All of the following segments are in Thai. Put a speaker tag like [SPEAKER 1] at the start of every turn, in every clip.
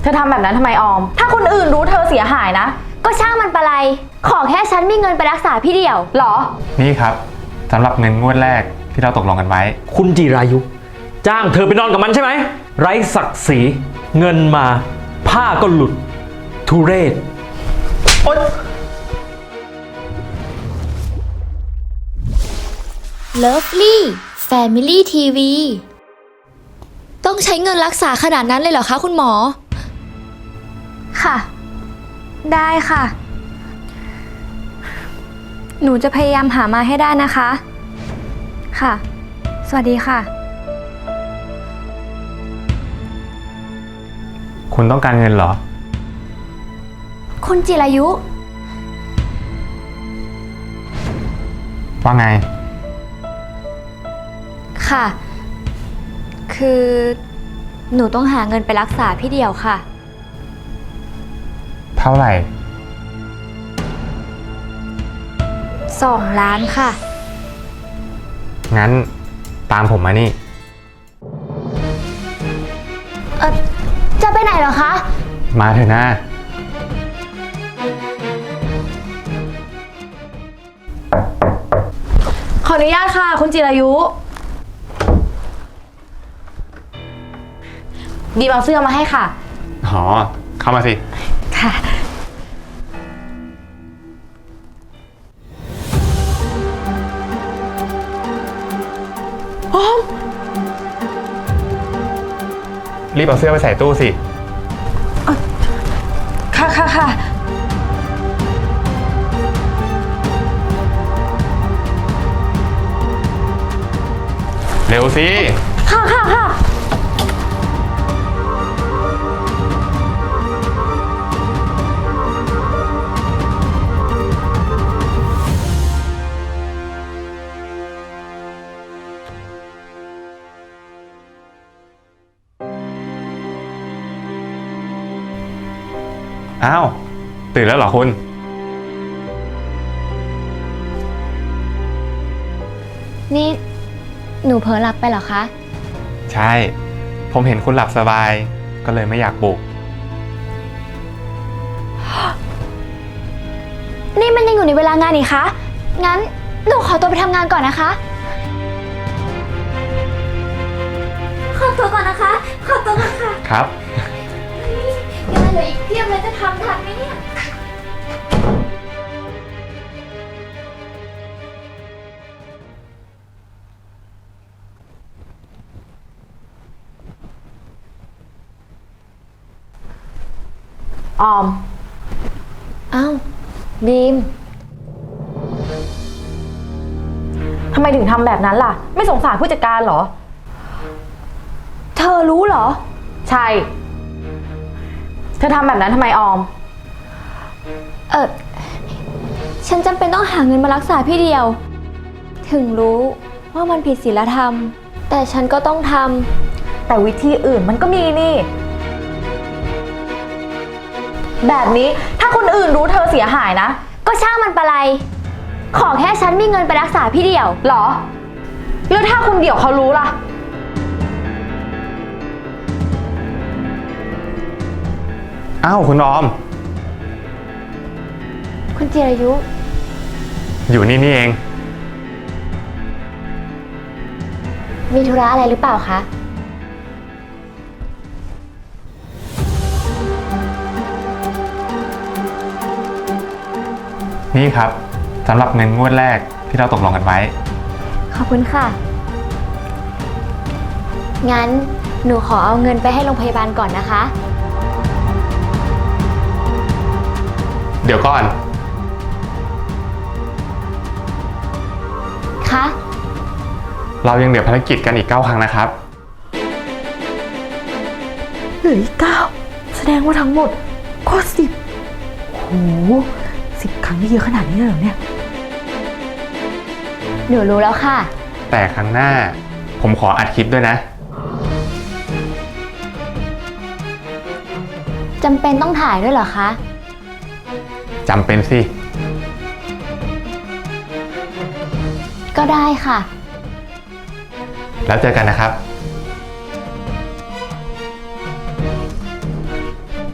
[SPEAKER 1] ธอทำแบบนั้นทำไมออมถ้าคนอื่นรู้เธอเสียหายนะ
[SPEAKER 2] ก็ช่างมันปะไรขอแค่ฉันมีเงินไปรักษาพี่เดี่ยว
[SPEAKER 1] หรอ
[SPEAKER 3] นี่ครับสำหรับเงินงวดแรกที่เราตกลงกันไว้
[SPEAKER 4] คุณจิรายุจ้างเธอไปนอนกับมันใช่ไหมไร้ศักดิ์ศรีเงินมาผ้าก็หลุดทุเรศโอ๊ย
[SPEAKER 2] Lovely Family TV ต้องใช้เงินรักษาขนาดนั้นเลยเหรอคะคุณหมอค่ะได้ค่ะหนูจะพยายามหามาให้ได้นะคะค่ะสวัสดีค่ะ
[SPEAKER 3] คุณต้องการเงินเหรอ
[SPEAKER 2] คุณจิรายุ
[SPEAKER 3] ว่าไง
[SPEAKER 2] ค่ะคือหนูต้องหาเงินไปรักษาพี่เดี่ยวค่ะ
[SPEAKER 3] เท่าไหร่
[SPEAKER 2] 2 ล้านค่ะ
[SPEAKER 3] งั้นตามผมมานี่
[SPEAKER 2] จะไปไหนเหรอคะ
[SPEAKER 3] มาเถอะนะ
[SPEAKER 1] ขออนุญาตค่ะคุณจิรายุบีมเอาเสื้อมาให้ค่ะ
[SPEAKER 3] อ๋อเข้ามาสิ
[SPEAKER 1] ค่ะออม
[SPEAKER 3] รีบเอาเสื้อไปใส่ตู้สิ
[SPEAKER 1] ค่ะ
[SPEAKER 3] เร็วสิ
[SPEAKER 1] ค่ะ
[SPEAKER 3] อ้าวตื่นแล้วเหรอคุณ
[SPEAKER 2] นี่หนูเผลอหลับไปเหรอคะ
[SPEAKER 3] ใช่ผมเห็นคุณหลับสบายก็เลยไม่อยากปลุก
[SPEAKER 2] นี่มันยังอยู่ในเวลางานนี่คะงั้นหนูขอตัวไปทำงานก่อนนะคะขอตัวก่อนนะคะขอตัวก่อนค่ะ
[SPEAKER 3] ครับ
[SPEAKER 2] งานเหลืออีกเพียบเลยจะทำทันไหมเนี่ย
[SPEAKER 1] ออม
[SPEAKER 2] อ้าวบีม
[SPEAKER 1] ทำไมถึงทำแบบนั้นล่ะไม่สงสารผู้จัดการเหรอ
[SPEAKER 2] เธอรู้เหรอ
[SPEAKER 1] ใช่เธอทำแบบนั้นทำไมออม
[SPEAKER 2] ฉันจำเป็นต้องหาเงินมารักษาพี่เดียวถึงรู้ว่ามันผิดศีลธรรมแต่ฉันก็ต้องท
[SPEAKER 1] ำแต่วิธีอื่นมันก็มีนี่แบบนี้ถ้าคนอื่นรู้เธอเสียหายนะ
[SPEAKER 2] ก็ช่างมันปะไรขอแค่ฉันมีเงินไปรักษาพี่เดี่ยว
[SPEAKER 1] หรอแล้วถ้าคุณเดี่ยวเขารู้ล่ะ
[SPEAKER 3] อ้าวคุณออม
[SPEAKER 2] คุณจิรายุ
[SPEAKER 3] อยู่นี่เอง
[SPEAKER 2] มีธุระอะไรหรือเปล่าคะ
[SPEAKER 3] นี่ครับสำหรับเงินงวดแรกที่เราตกลงกันไว้
[SPEAKER 2] ขอบคุณค่ะงั้นหนูขอเอาเงินไปให้โรงพยาบาลก่อนนะคะ
[SPEAKER 3] เดี๋ยวก่อน
[SPEAKER 2] คะ
[SPEAKER 3] เรายังเหลือภารกิจกันอีก9 ครั้งนะครับ
[SPEAKER 1] เหลืออีก9แสดงว่าทั้งหมดก็10โห10 ครั้งนี่เยอะขนาดนี้เลยเหรอเนี่ย
[SPEAKER 2] หนูรู้แล้วค่ะ
[SPEAKER 3] แต่ครั้งหน้าผมขออัดคลิปด้วยนะ
[SPEAKER 2] จำเป็นต้องถ่ายด้วยเหรอคะ
[SPEAKER 3] จำเป็นสิ
[SPEAKER 2] ก็ได้ค่ะ
[SPEAKER 3] แล้วเจอกันนะครับ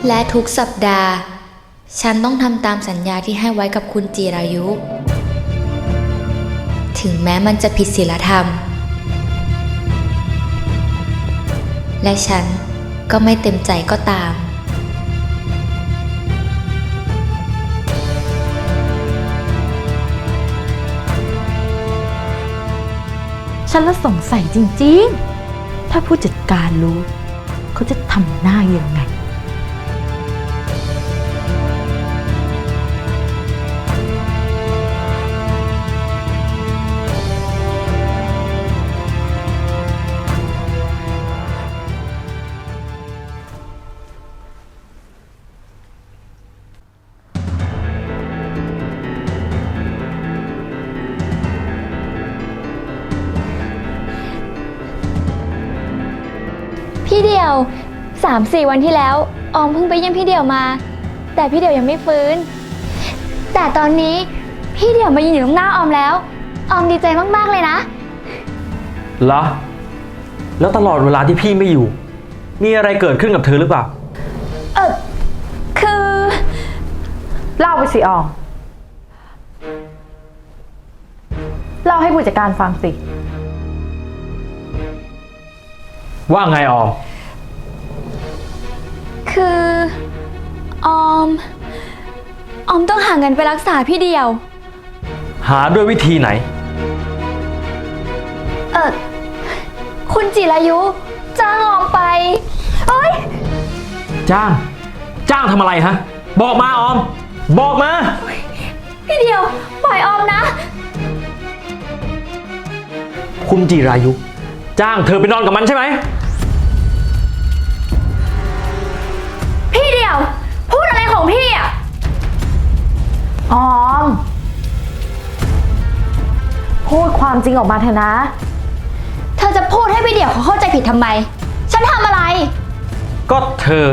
[SPEAKER 2] และทุกสัปดาห์ ฉันต้องทำตามสัญญาที่ให้ไว้กับคุณจิรายุ ถึงแม้มันจะผิดศีลธรรม และฉันก็ไม่เต็มใจก็ตาม
[SPEAKER 1] ฉันละสงสัยจริงๆ ถ้าผู้จัดการรู้เขาจะทำหน้ายังไง
[SPEAKER 2] พี่เดี่ยว 3-4 วันที่แล้วออมเพิ่งไปเยี่ยมพี่เดี่ยวมา แต่พี่เดี่ยวยังไม่ฟื้น แต่ตอนนี้พี่เดี่ยวมายืนอยู่ตรงหน้าออมแล้วออมดีใจมากๆเลยนะ
[SPEAKER 4] เหรอ แล้วตลอดเวลาที่พี่ไม่อยู่ มีอะไรเกิดขึ้นกับเธอหรือเปล่า
[SPEAKER 2] คือ
[SPEAKER 1] เล่าไปสิออม เล่าให้ผู้จัดการฟังสิ
[SPEAKER 4] ว่าไงออม
[SPEAKER 2] คือออมต้องหาเงินไปรักษาพี่เดี่ยว
[SPEAKER 4] หาด้วยวิธีไหน
[SPEAKER 2] คุณจิรายุจ้างออมไปเอ้ย
[SPEAKER 4] จ้างทำอะไรฮะ บอกมาออม บอกมา
[SPEAKER 2] พี่เดี่ยวปล่อยออมนะ
[SPEAKER 4] คุณจิรายุ จ้างเธอไปนอนกับมันใช่ไหม
[SPEAKER 2] พี่เดี่ยวพูดอะไรของพี่อ่ะ
[SPEAKER 1] ออม พูดความจริงออกมาเถอะนะ
[SPEAKER 2] เธอจะพูดให้พี่เดี่ยวเขาเข้าใจผิดทำไม ฉันทำอะไร
[SPEAKER 4] ก็เธอ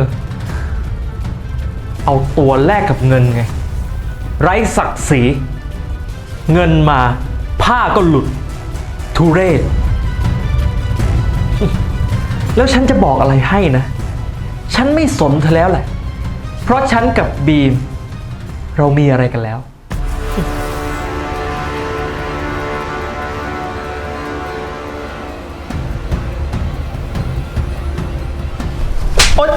[SPEAKER 4] เอาตัวแลกกับเงินไง ไร้ศักดิ์ศรี เงินมาผ้าก็หลุด ทุเรศ แล้วฉันจะบอกอะไรให้นะ ฉันไม่สนเธอแล้วแหละ เพราะฉันกับบีม เรามีอะไรกันแล้ว โอ๊ย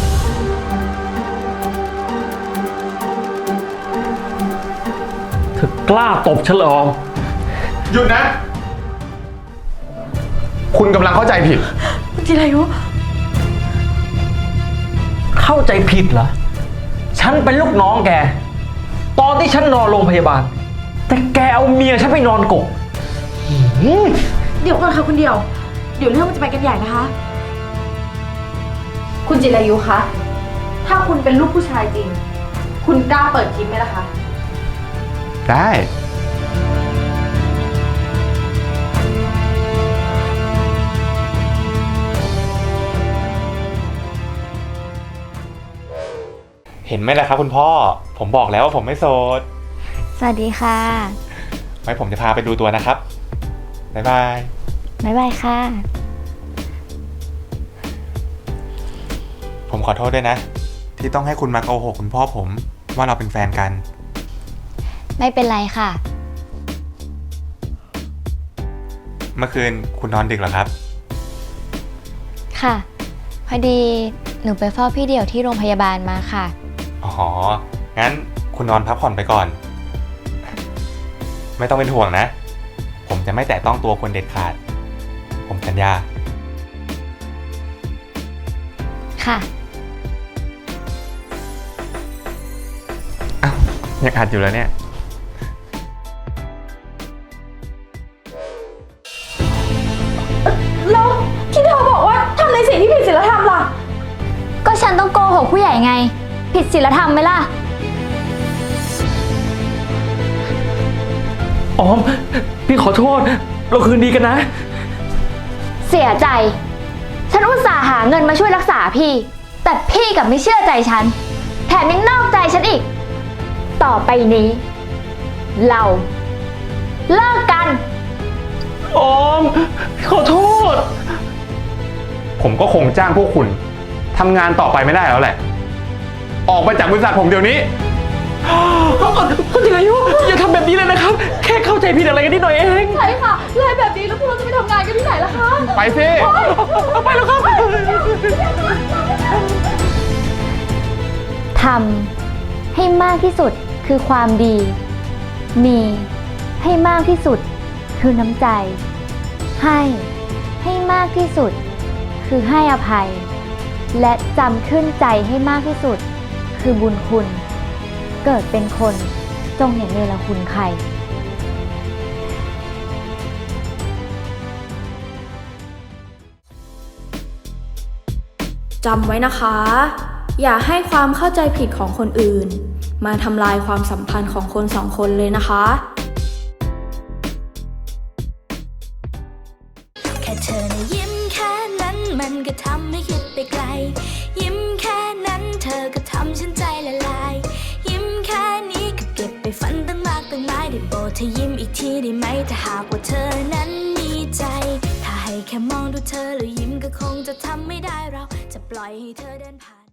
[SPEAKER 4] เธอกล้าตบฉันเหรอออม
[SPEAKER 3] หยุดนะ คุณกำลังเข้าใจผิด
[SPEAKER 1] จิรายุ
[SPEAKER 4] เข้าใจผิดเหรอ ฉันเป็นลูกน้องแก ตอนที่ฉันนอนโรงพยาบาล แต่แกเอาเมียฉันไปนอนกก
[SPEAKER 1] เดี๋ยวก่อนค่ะคุณเดียว เดี๋ยวเรื่องมันจะไปกันใหญ่นะคะ คุณจิรายุคะ ถ้าคุณเป็นลูกผู้ชายจริง คุณกล้าเปิดคลิปไหมล่ะคะ
[SPEAKER 3] ได้ เห็นไหมล่ะครับคุณพ่อ ผมบอกแล้วว่าผมไม่โสด
[SPEAKER 2] สวัสดีค่ะ
[SPEAKER 3] ไว้ผมจะพาไปดูตัวนะครับ บ๊ายบาย
[SPEAKER 2] บ๊ายบายค่ะ
[SPEAKER 3] ผมขอโทษด้วยนะ ที่ต้องให้คุณมาโกหกคุณพ่อผมว่าเราเป็นแฟนกัน
[SPEAKER 2] ไม่เป็นไรค่ะ
[SPEAKER 3] เมื่อคืนคุณนอนดึกเหรอครับ
[SPEAKER 2] ค่ะ พอดีหนูไปเฝ้าพี่เดี่ยวที่โรงพยาบาลมาค่ะ
[SPEAKER 3] อ๋อ งั้นคุณนอนพักผ่อนไปก่อน ไม่ต้องเป็นห่วงนะ ผมจะไม่แตะต้องตัวคนเด็ดขาด ผมสัญญา
[SPEAKER 2] ค่ะ
[SPEAKER 3] อ้าวยังอัดอยู่แล้วเนี่ย
[SPEAKER 1] แล้วที่เธอบอกว่าทำในสิ่งที่ผิดศีลธรรมล่ะ
[SPEAKER 2] ก็ฉันต้องโกหกผู้ใหญ่ไง ผิดศีลธรรมไหมล่ะ
[SPEAKER 4] ออม พี่ขอโทษ เราคืนดีกันนะ
[SPEAKER 2] เสียใจ ฉันอุตส่าห์หาเงินมาช่วยรักษาพี่ แต่พี่กลับไม่เชื่อใจฉัน แถมยังนอกใจฉันอีก ต่อไปนี้ เราเลิกกัน
[SPEAKER 4] ออม ขอโทษ
[SPEAKER 3] ผมก็คงจ้างพวกคุณทำงานต่อไปไม่ได้แล้วแหละออกไปจากบริษัทผมเดี๋ยวนี้
[SPEAKER 4] คุณจิรายุอย่าทำแบบนี้เลยนะครับ แค่เข้าใจผิดอะไรกันนิดหน่อยเอง
[SPEAKER 1] ใช่ค่ะไล่แบบนี้แล้วพวกเราจะไปทำงานกันที่ไหนล่ะคะ
[SPEAKER 3] ไปสิ
[SPEAKER 4] ไปแล้วครับ
[SPEAKER 2] ทำให้มากที่สุดคือความดี มีให้มากที่สุดคือน้ำใจ ให้มากที่สุดคือให้อภัย และจำขึ้นใจให้มากที่สุดคือบุญคุณ เกิดเป็นคนจงอย่าเนรคุณใคร
[SPEAKER 5] จำไว้นะคะ อย่าให้ความเข้าใจผิดของคนอื่น มาทำลายความสัมพันธ์ของคนสองคนเลยนะคะ
[SPEAKER 6] แค่เธอนะยิ้มแค่นั้นมันก็ทำให้คิดไปไกล ยิ้มแค่นั้นเธอก็ทำฉันใจละลาย ยิ้มแค่นี้ก็เก็บไปฝันตั้งมากตั้งหลายได้โปรดเธอยิ้มอีกทีได้ไหมถ้าหากว่าเธอนั้นมีใจ ถ้าให้แค่มองดูเธอแล้วยิ้มก็คงจะทำไม่ได้เราจะปล่อยให้เธอเดินผ่าน